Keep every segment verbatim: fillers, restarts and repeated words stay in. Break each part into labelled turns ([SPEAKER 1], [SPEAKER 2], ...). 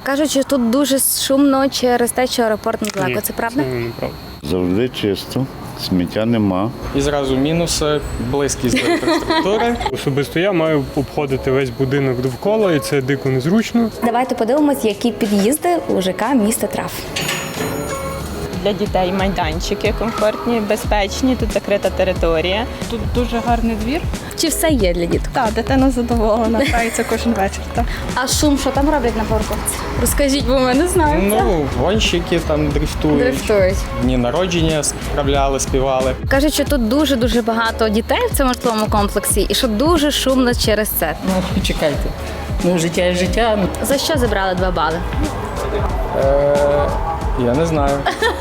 [SPEAKER 1] Кажуть, що тут дуже шумно через те, що аеропорт недалеко. Це правда?
[SPEAKER 2] Це неправда.
[SPEAKER 3] Завжди чисто, сміття нема.
[SPEAKER 4] І зразу мінуси, близькість до інфраструктури.
[SPEAKER 2] Особисто я маю обходити весь будинок довкола, і це дико незручно.
[SPEAKER 1] Давайте подивимось, які під'їзди у ЖК міста Трав.
[SPEAKER 5] Для дітей майданчики комфортні, безпечні, тут закрита територія.
[SPEAKER 6] Тут дуже гарний двір.
[SPEAKER 1] Чи все є для діток?
[SPEAKER 6] Так, дитина задоволена, грається кожен вечір. Так.
[SPEAKER 1] А шум, що там роблять на парковці? Розкажіть, бо ми не знаємо.
[SPEAKER 4] Ну, гонщики там дрифтують.
[SPEAKER 1] Дрифтують.
[SPEAKER 4] Дні народження справляли, співали.
[SPEAKER 1] Кажуть, що тут дуже-дуже багато дітей в цьому житловому комплексі і що дуже шумно через це.
[SPEAKER 7] Ну, чекайте. Ну, життя є життя.
[SPEAKER 1] За що забрали два бали?
[SPEAKER 4] Е, я не знаю.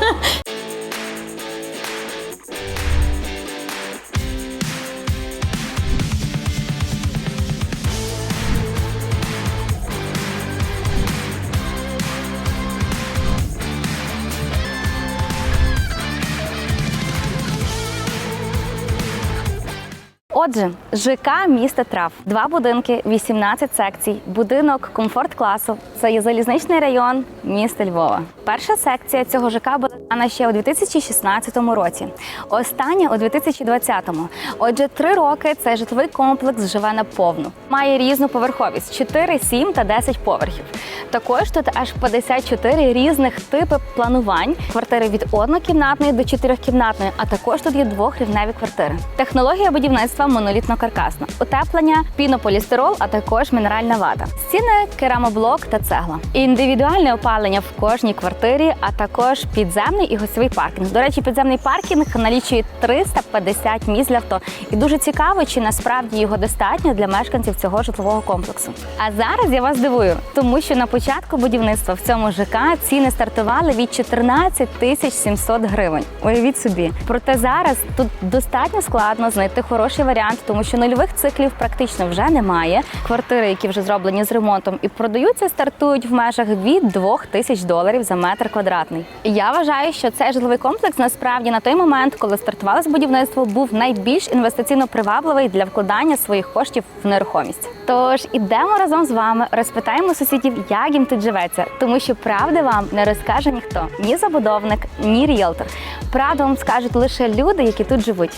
[SPEAKER 1] Отже, ЖК міста Трав. Два будинки, вісімнадцять секцій, будинок комфорт-класу. Це є залізничний район міста Львова. Перша секція цього ЖК була дана ще у дві тисячі шістнадцятому році, остання у дві тисячі двадцятому. Отже, три роки цей житловий комплекс живе наповну. Має різну поверховість – чотири, сім та десять поверхів. Також тут аж п'ятдесят чотири різних типи планувань. Квартири від однокімнатної до чотирьохкімнатної, а також тут є двохрівневі квартири. Технологія будівництва монолітно-каркасна. Утеплення, пінополістирол, а також мінеральна вата. Стіни, керамоблок та цегла. Індивідуальне опалення в кожній квартирі, а також підземний і гостьовий паркінг. До речі, підземний паркінг налічує триста п'ятдесят місць для авто. І дуже цікаво, чи насправді його достатньо для мешканців цього житлового комплексу. А зараз я вас дивую, тому що на початку будівництва в цьому ЖК ціни стартували від чотирнадцять тисяч сімсот гривень. Уявіть собі. Проте зараз тут достатньо складно знайти хороший варіант, тому що нульових циклів практично вже немає. Квартири, які вже зроблені з ремонтом і продаються, стартують в межах від двох тисяч доларів за метр квадратний. Я вважаю, що цей житловий комплекс насправді на той момент, коли стартувалося будівництво, був найбільш інвестиційно привабливий для вкладання своїх коштів в нерухомість. Тож ідемо разом з вами, розпитаємо сусідів, як їм тут живеться, тому що правди вам не розкаже ніхто, ні забудовник, ні ріелтор. Правду вам скажуть лише люди, які тут живуть.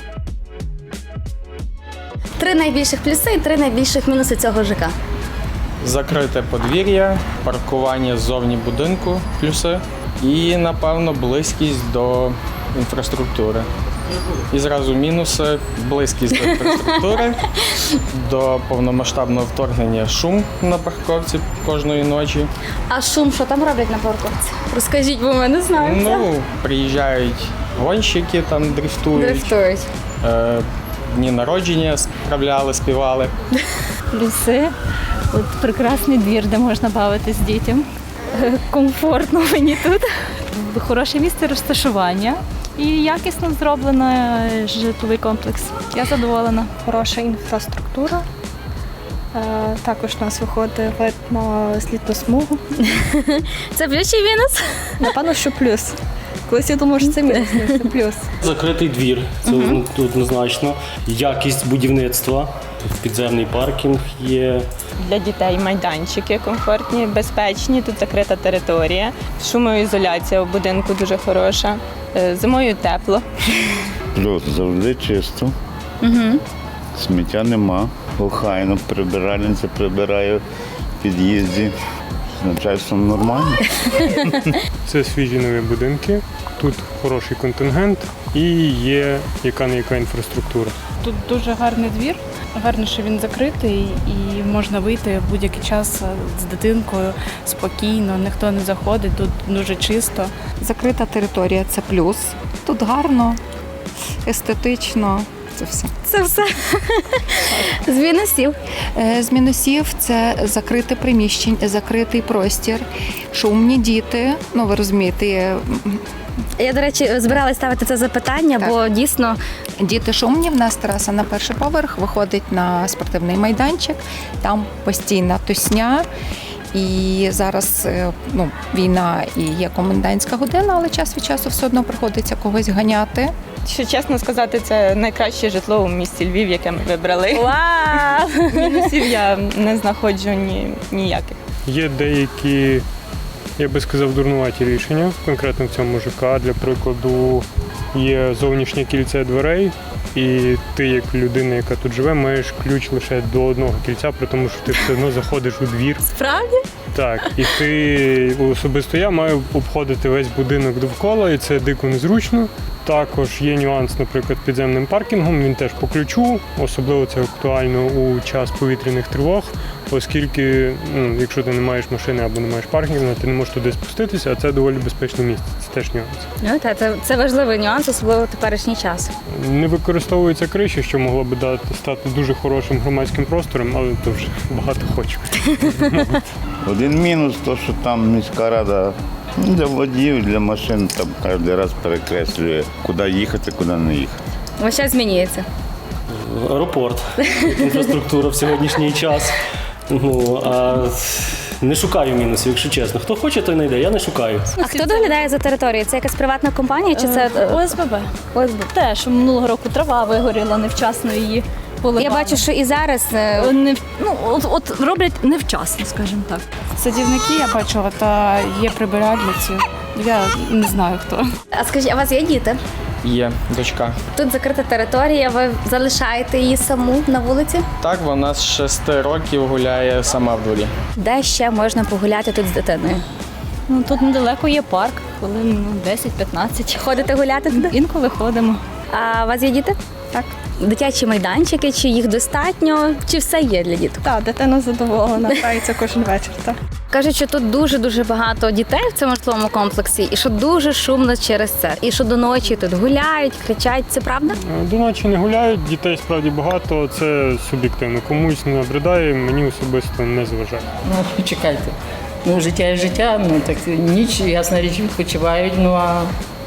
[SPEAKER 1] Три найбільших плюси і три найбільших мінуси цього ЖК.
[SPEAKER 4] Закрите подвір'я, паркування ззовні будинку, плюси. І, напевно, близькість до інфраструктури. І зразу мінуси, близькість до інфраструктури, до повномасштабного вторгнення шум на парковці кожної ночі.
[SPEAKER 1] А шум, що там роблять на парковці? Розкажіть, бо ми не знаємо.
[SPEAKER 4] Ну, приїжджають гонщики, там дрифтують.
[SPEAKER 1] Дрифтують.
[SPEAKER 4] Е, Дні народження справляли, співали.
[SPEAKER 6] Плюси. От прекрасний двір, де можна бавитись дітям. Комфортно мені тут. Хороше місце розташування і якісно зроблено житловий комплекс. Я задоволена.
[SPEAKER 8] Хороша інфраструктура. Е, Також у нас виходить вид на злітну смугу.
[SPEAKER 1] Це плюс чи мінус?
[SPEAKER 8] Напевно, що плюс. Колись я думала, що це мінус, але це плюс.
[SPEAKER 9] Закритий двір, це uh-huh. однозначно. Якість будівництва, підземний паркінг є.
[SPEAKER 5] Для дітей майданчики комфортні, безпечні, тут закрита територія. Шумоізоляція у будинку дуже хороша. Зимою тепло.
[SPEAKER 3] Плюс завжди чисто,
[SPEAKER 1] Угу.
[SPEAKER 3] сміття нема. Охайно прибиральниця прибирає в під'їзді. З начальством нормально.
[SPEAKER 2] Це свіжі нові будинки, тут хороший контингент і є яка-не-яка інфраструктура.
[SPEAKER 6] Тут дуже гарний двір. Гарно, що він закритий і можна вийти в будь-який час з дитинкою спокійно, ніхто не заходить, тут дуже чисто.
[SPEAKER 10] Закрита територія – це плюс. Тут гарно, естетично, це все.
[SPEAKER 1] Це все. З мінусів.
[SPEAKER 10] З мінусів – це закрите приміщення, закритий простір, шумні діти, ну ви розумієте.
[SPEAKER 1] Я, до речі, збиралась ставити це запитання,
[SPEAKER 10] Так.
[SPEAKER 1] бо дійсно…
[SPEAKER 10] Діти шумні, в нас тераса на перший поверх, виходить на спортивний майданчик, там постійна тусня. І зараз ну, війна і є комендантська година, але час від часу все одно приходиться когось ганяти.
[SPEAKER 5] Що чесно сказати, це найкраще житло у місті Львів, яке ми вибрали.
[SPEAKER 1] Вау!
[SPEAKER 5] Мінусів я не знаходжу ні, ніяких.
[SPEAKER 2] Є деякі я би сказав, дурнуваті рішення, конкретно в цьому ЖК. Для прикладу, є зовнішнє кільце дверей, і ти, як людина, яка тут живе, маєш ключ лише до одного кільця, при тому, що ти все одно заходиш у двір.
[SPEAKER 1] Справді?
[SPEAKER 2] Так, і ти, особисто я, маю обходити весь будинок довкола, і це дико незручно. Також є нюанс, наприклад, підземним паркінгом, він теж по ключу, особливо це актуально у час повітряних тривог, оскільки, ну, якщо ти не маєш машини або не маєш паркінгу, ти не можеш туди спуститися, а це доволі безпечне місце, це теж нюанс.
[SPEAKER 1] Ну, та, це, це важливий нюанс, особливо в теперішній час.
[SPEAKER 2] Не використовується криші, що могло би дати, стати дуже хорошим громадським простором, але то вже багато хочуть.
[SPEAKER 3] Один мінус, то, що там міська рада для водіїв, для машин там кожен раз перекреслює, куди їхати, куди не їхати.
[SPEAKER 1] Ось зараз змінюється.
[SPEAKER 9] Аеропорт, інфраструктура в сьогоднішній час. Ну, а не шукаю мінусів, якщо чесно. Хто хоче, той знайде, я не шукаю.
[SPEAKER 1] А хто доглядає за територією? Це якась приватна компанія чи це
[SPEAKER 6] О С Б Б.
[SPEAKER 1] О С Б?
[SPEAKER 6] Теж минулого року трава вигоріла, невчасно її поливали.
[SPEAKER 1] Я бачу, що і зараз е,
[SPEAKER 6] Не, ну, от, от роблять невчасно, скажімо так.
[SPEAKER 8] Садівники, я бачила, та є прибиральниці. Я не знаю хто.
[SPEAKER 1] А скажіть, а у вас є діти?
[SPEAKER 4] Є дочка.
[SPEAKER 1] Тут закрита територія, ви залишаєте її саму на вулиці?
[SPEAKER 4] Так, вона з шести років гуляє сама в дворі.
[SPEAKER 1] Де ще можна погуляти тут з дитиною?
[SPEAKER 6] Ну, тут недалеко є парк, хвилин ну, десять-п'ятнадцять.
[SPEAKER 1] Ходите гуляти туди?
[SPEAKER 6] Інколи ходимо.
[SPEAKER 1] А у вас є діти?
[SPEAKER 8] Так.
[SPEAKER 1] Дитячі майданчики, чи їх достатньо, чи все є для діток?
[SPEAKER 8] Так, дитина задоволена, грається кожен вечір. Так.
[SPEAKER 1] Кажуть, що тут дуже-дуже багато дітей в цьому житловому комплексі, і що дуже шумно через це. І що до ночі тут гуляють, кричать. Це правда?
[SPEAKER 2] До ночі не гуляють, дітей справді багато, це суб'єктивно. Комусь не набридає, мені особисто не зважає.
[SPEAKER 7] Ну, чекайте. Ну, життя є життя, ну так ніч, ясна річ, відпочивають, ну а,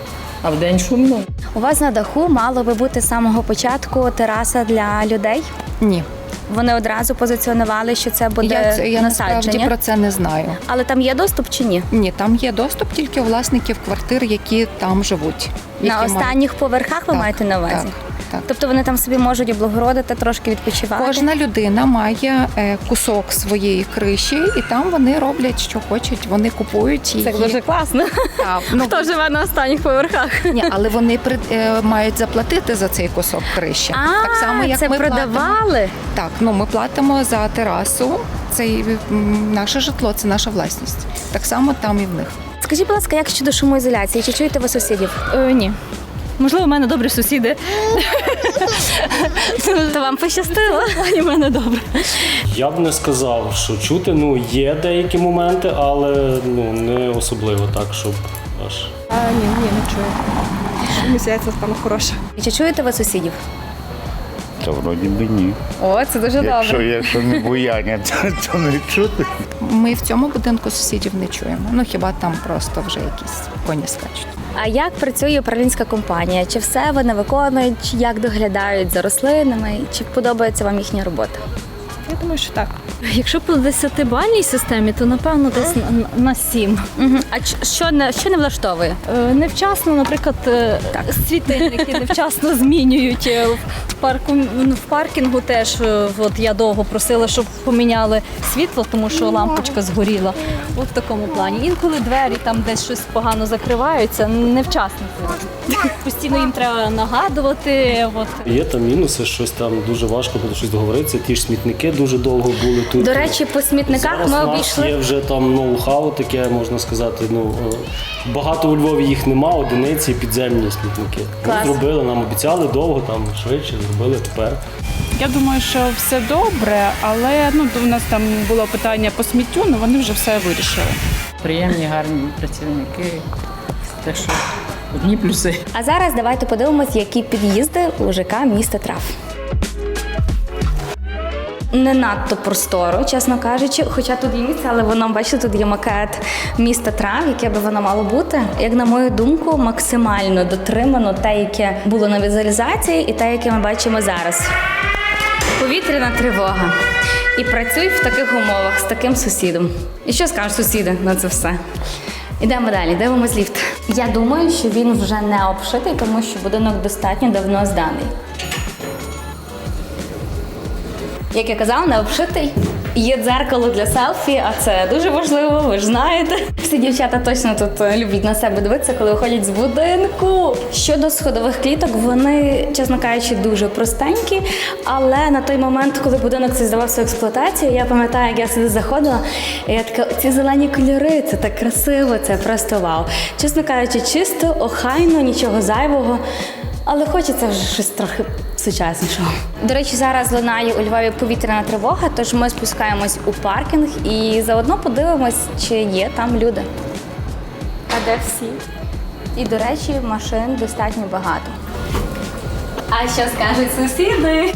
[SPEAKER 7] а вдень шумно.
[SPEAKER 1] У вас на даху мало би бути з самого початку тераса для людей.
[SPEAKER 10] Ні.
[SPEAKER 1] Вони одразу позиціонували, що це буде
[SPEAKER 10] Я, це- я насправді
[SPEAKER 1] насадження.
[SPEAKER 10] про це не знаю.
[SPEAKER 1] Але там є доступ чи ні?
[SPEAKER 10] Ні, там є доступ тільки у власників квартир, які там живуть.
[SPEAKER 1] На
[SPEAKER 10] які мають-
[SPEAKER 1] останніх поверхах ви
[SPEAKER 10] Так,
[SPEAKER 1] маєте на увазі?
[SPEAKER 10] Так, так.
[SPEAKER 1] Тобто вони там собі можуть облагородити, трошки відпочивати?
[SPEAKER 10] Кожна людина має е, кусок своєї криші, і там вони роблять, що хочуть. Вони купують її.
[SPEAKER 1] Це дуже класно.
[SPEAKER 10] Так, ну,
[SPEAKER 1] Хто живе на останніх поверхах?
[SPEAKER 10] ні, але вони при, е, мають заплатити за цей кусок криші.
[SPEAKER 1] А,
[SPEAKER 10] так само, як
[SPEAKER 1] це
[SPEAKER 10] ми платимо.
[SPEAKER 1] продавали?
[SPEAKER 10] Так, ну ми платимо за терасу. Це м, наше житло, це наша власність. Так само там і в них.
[SPEAKER 1] Скажіть, будь ласка, як щодо шумоізоляції? Чи чуєте ви сусідів?
[SPEAKER 6] Е, ні. Можливо, в мене добрі сусіди.
[SPEAKER 1] То вам пощастило?
[SPEAKER 6] І в мене добре.
[SPEAKER 9] Я б не сказав, що чути, ну, є деякі моменти, але ну, не особливо так, щоб аж.
[SPEAKER 8] А, ні, ні, не чую. Мені здається, там хороше.
[SPEAKER 1] Чи чуєте ви сусідів?
[SPEAKER 3] Та вроді би ні.
[SPEAKER 1] О, це дуже
[SPEAKER 3] Якщо,
[SPEAKER 1] добре.
[SPEAKER 3] якщо не буяння, то, то не чути.
[SPEAKER 10] Ми в цьому будинку сусідів не чуємо. Ну хіба там просто вже якісь коні скачуть.
[SPEAKER 1] А як працює управлінська компанія? Чи все вони виконують? Чи як доглядають за рослинами? Чи подобається вам їхня робота?
[SPEAKER 8] Я думаю, що так.
[SPEAKER 6] Якщо по десятибальній системі, то напевно десь на, на сім.
[SPEAKER 1] Угу. А ч- що не, що не влаштовує?
[SPEAKER 6] Е, Невчасно, наприклад, е, світильники невчасно змінюють. Е, В парку в паркінгу теж е, от я довго просила, щоб поміняли світло, тому що лампочка згоріла. От в такому плані. Інколи двері там десь щось погано закриваються, невчасно. Постійно їм треба нагадувати. От.
[SPEAKER 9] Є там мінуси, щось там дуже важко буде щось договоритися. Ті ж смітники дуже довго були тут.
[SPEAKER 1] До речі, по смітниках
[SPEAKER 9] Зараз
[SPEAKER 1] ми
[SPEAKER 9] у нас
[SPEAKER 1] обійшли.
[SPEAKER 9] є вже там ноу-хау, таке можна сказати. Ну е, багато у Львові їх нема, одиниці підземні смітники. Ми
[SPEAKER 1] Клас.
[SPEAKER 9] зробили, нам обіцяли довго, там швидше зробили тепер.
[SPEAKER 11] Я думаю, що все добре, але ну у нас там було питання по сміттю, але вони вже все вирішили.
[SPEAKER 7] Приємні, гарні працівники. Так що одні плюси.
[SPEAKER 1] А зараз давайте подивимось, які під'їзди у ЖК міста Трав. Не надто просторо, чесно кажучи, хоча тут є місце, але воно, бачите, тут є макет міста Трав, яке би воно мало бути. Як на мою думку, максимально дотримано те, яке було на візуалізації, і те, яке ми бачимо зараз. Повітряна тривога. І працюй в таких умовах з таким сусідом. І що скажуть сусіди на це все? Ідемо далі, дивимось ліфт. Я думаю, що він вже не обшитий, тому що будинок достатньо давно зданий. Як я казала, не обшитий. Є дзеркало для селфі, а це дуже важливо, ви ж знаєте. Всі дівчата точно тут люблять на себе дивитися, коли виходять з будинку. Щодо сходових кліток, вони, чесно кажучи, дуже простенькі, але на той момент, коли будинок цей здавався в експлуатацію, я пам'ятаю, як я сюди заходила, і я така, ці зелені кольори, це так красиво, це просто вау. Чесно кажучи, чисто, охайно, нічого зайвого. Але хочеться вже щось трохи сучаснішого. До речі, зараз лунає у Львові повітряна тривога, тож ми спускаємось у паркінг і заодно подивимось, чи є там люди. А де всі? І, до речі, машин достатньо багато. А що скажуть сусіди?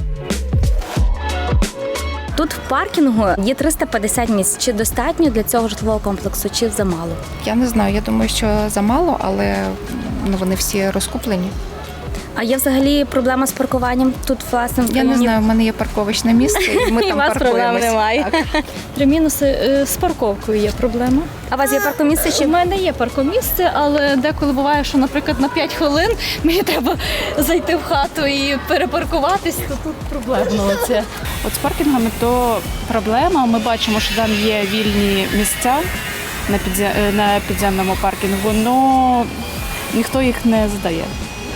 [SPEAKER 1] Тут в паркінгу є триста п'ятдесят місць. Чи достатньо для цього житлового комплексу, чи замало?
[SPEAKER 10] Я не знаю, я думаю, що замало, але ну, вони всі розкуплені.
[SPEAKER 1] А є взагалі проблема з паркуванням тут, власне, в
[SPEAKER 10] Я не
[SPEAKER 1] районі?
[SPEAKER 10] знаю, в мене є парковочне місце, і ми
[SPEAKER 1] І
[SPEAKER 10] там
[SPEAKER 1] у вас проблем
[SPEAKER 10] паркуємось.
[SPEAKER 1] немає.
[SPEAKER 10] Так.
[SPEAKER 6] Три мінуси е, з парковкою є проблема.
[SPEAKER 1] А у вас є паркомісце чи
[SPEAKER 6] У мене є паркомісце, але деколи буває, що, наприклад, на п'ять хвилин мені треба зайти в хату і перепаркуватись, то тут проблемно оце.
[SPEAKER 11] От з паркінгами то проблема. Ми бачимо, що там є вільні місця на, підзя... на підземному паркінгу, але ніхто їх не здає.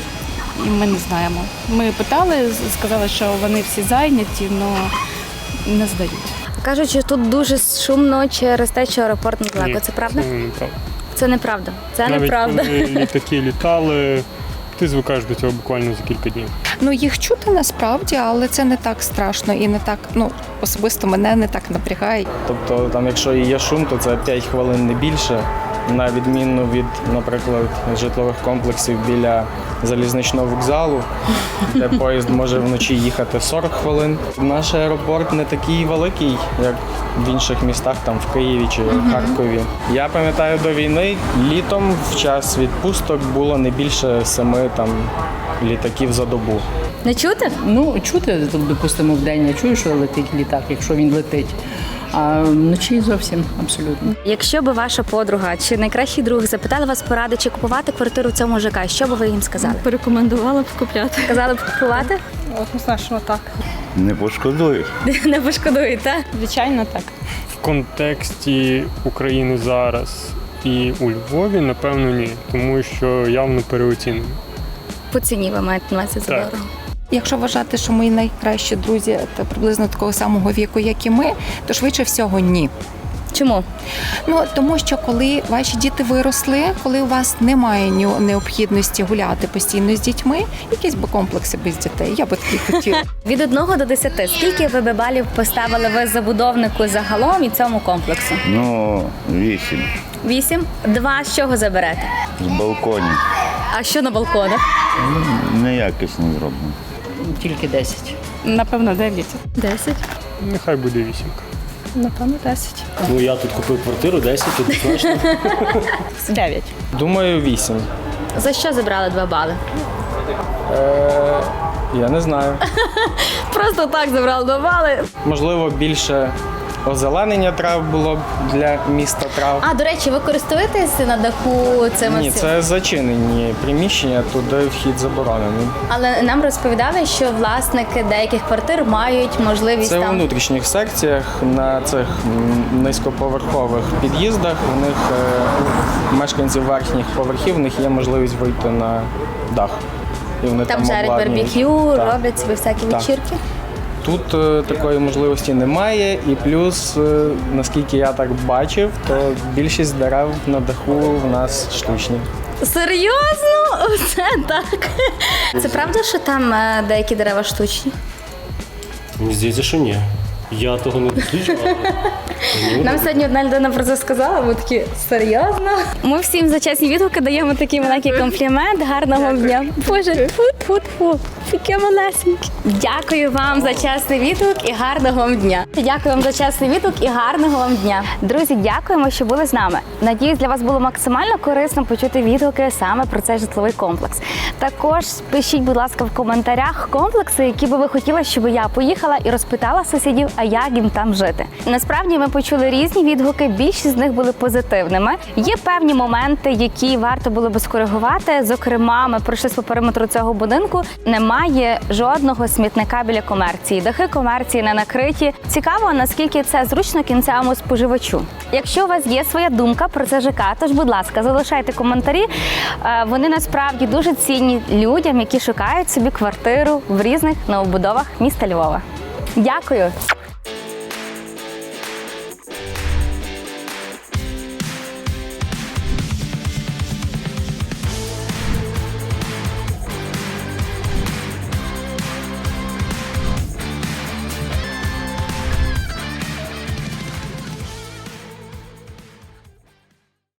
[SPEAKER 11] І ми не знаємо. Ми питали, сказали, що вони всі зайняті, але не здають.
[SPEAKER 1] кажуть, що тут дуже шумно через те, що аеропорт недалеко.
[SPEAKER 2] Ні,
[SPEAKER 1] Це правда?
[SPEAKER 2] Це неправда.
[SPEAKER 1] Це неправда. Це
[SPEAKER 2] Навіть
[SPEAKER 1] неправда.
[SPEAKER 2] коли літаки літали, ти звикаєш до цього буквально за кілька днів.
[SPEAKER 10] Ну, їх чути насправді, але це не так страшно і не так, ну, особисто мене не так напрягає.
[SPEAKER 4] Тобто, там, якщо і є шум, то це п'ять хвилин не більше, на відміну від, наприклад, житлових комплексів біля залізничного вокзалу, де поїзд може вночі їхати сорок хвилин. Наш аеропорт не такий великий, як в інших містах, там в Києві чи Харкові. Я пам'ятаю, до війни літом в час відпусток було не більше семи там літаків за добу.
[SPEAKER 1] Не чути?
[SPEAKER 7] Ну, чути, допустимо, в день я чую, що летить літак, якщо він летить. А вночі зовсім абсолютно.
[SPEAKER 1] Якщо би ваша подруга чи найкращий друг запитали вас поради, чи купувати квартиру в цьому ЖК, що би ви їм сказали?
[SPEAKER 6] Порекомендувала б купляти.
[SPEAKER 1] Сказали б купувати?
[SPEAKER 8] Однозначно так.
[SPEAKER 3] Не пошкодуєш.
[SPEAKER 1] Не пошкодуєте?
[SPEAKER 5] Звичайно, так.
[SPEAKER 2] В контексті України зараз і у Львові, напевно, ні, тому що явно переоцінено.
[SPEAKER 1] По ціні ви маєте на увазі, це
[SPEAKER 2] Так.
[SPEAKER 1] дорого.
[SPEAKER 10] Якщо вважати, що мої найкращі друзі та приблизно такого самого віку, як і ми, то швидше всього ні.
[SPEAKER 1] Чому?
[SPEAKER 10] Ну тому що коли ваші діти виросли, коли у вас немає ні- необхідності гуляти постійно з дітьми, якісь би комплекси без дітей. Я би такі хотіла.
[SPEAKER 1] Від одного до десяти, скільки ви би балів поставили ви забудовнику загалом і цьому комплексу?
[SPEAKER 3] Ну, вісім.
[SPEAKER 1] Вісім? Два з чого заберете?
[SPEAKER 3] З балконів.
[SPEAKER 1] А що на балконах?
[SPEAKER 3] Неякісно зроблено.
[SPEAKER 7] Тільки десять.
[SPEAKER 11] Напевно, дев'ять.
[SPEAKER 6] Десять.
[SPEAKER 2] Нехай буде вісімка.
[SPEAKER 8] Напевно, десять.
[SPEAKER 9] Ну я тут купив квартиру, десять, тут точно.
[SPEAKER 5] Дев'ять.
[SPEAKER 4] Думаю, вісім.
[SPEAKER 1] За що забрали два бали?
[SPEAKER 4] Е, я не знаю.
[SPEAKER 1] Просто так забрали два бали.
[SPEAKER 4] Можливо, більше озеленення трав було б для міста трав.
[SPEAKER 1] А, до речі, ви користуєтеся на даху цими
[SPEAKER 4] Ні,
[SPEAKER 1] всіма?
[SPEAKER 4] це зачинені приміщення, туди вхід заборонений.
[SPEAKER 1] Але нам розповідали, що власники деяких квартир мають можливість
[SPEAKER 4] Це у
[SPEAKER 1] там.
[SPEAKER 4] внутрішніх секціях, на цих м, низькоповерхових під'їздах. У них е, мешканців верхніх поверхів, у них є можливість вийти на дах. І вони
[SPEAKER 1] Там
[SPEAKER 4] там
[SPEAKER 1] жарять
[SPEAKER 4] обладнують.
[SPEAKER 1] барбекю,
[SPEAKER 4] Так.
[SPEAKER 1] роблять собі всякі
[SPEAKER 4] Так.
[SPEAKER 1] вечірки.
[SPEAKER 4] Тут е, такої можливості немає, і плюс, е, наскільки я так бачив, то більшість дерев на даху в нас штучні.
[SPEAKER 1] Серйозно? Оце так. Це правда, що там е, деякі дерева штучні?
[SPEAKER 9] Мені здається, що ні. Я того не досліджував. але-
[SPEAKER 1] Нам сьогодні одна людина про це сказала, ми такі, серйозно? Ми всім за чесні відгуки даємо такий маленький комплімент. Гарного дня. Боже, фу-фу-фу, таке малесеньке. Дякую вам за чесний відгук і гарного вам дня. Дякую вам за чесний відгук і гарного вам дня. Друзі, дякуємо, що були з нами. Надіюсь, для вас було максимально корисно почути відгуки саме про цей житловий комплекс. Також пишіть, будь ласка, в коментарях комплекси, які би ви хотіли, щоб я поїхала і розпитала сусідів, а як їм там жити. Насправді ми почули різні відгуки, більшість з них були позитивними. Є певні моменти, які варто було би скоригувати. Зокрема, ми пройшли по периметру цього будинку. Немає жодного смітника біля комерції. Дахи комерції не накриті. Цікаво, наскільки це зручно кінцевому споживачу. Якщо у вас є своя думка про це ЖК, тож, будь ласка, залишайте коментарі. Е, Вони насправді дуже цінні людям, які шукають собі квартиру в різних новобудовах міста Львова. Дякую!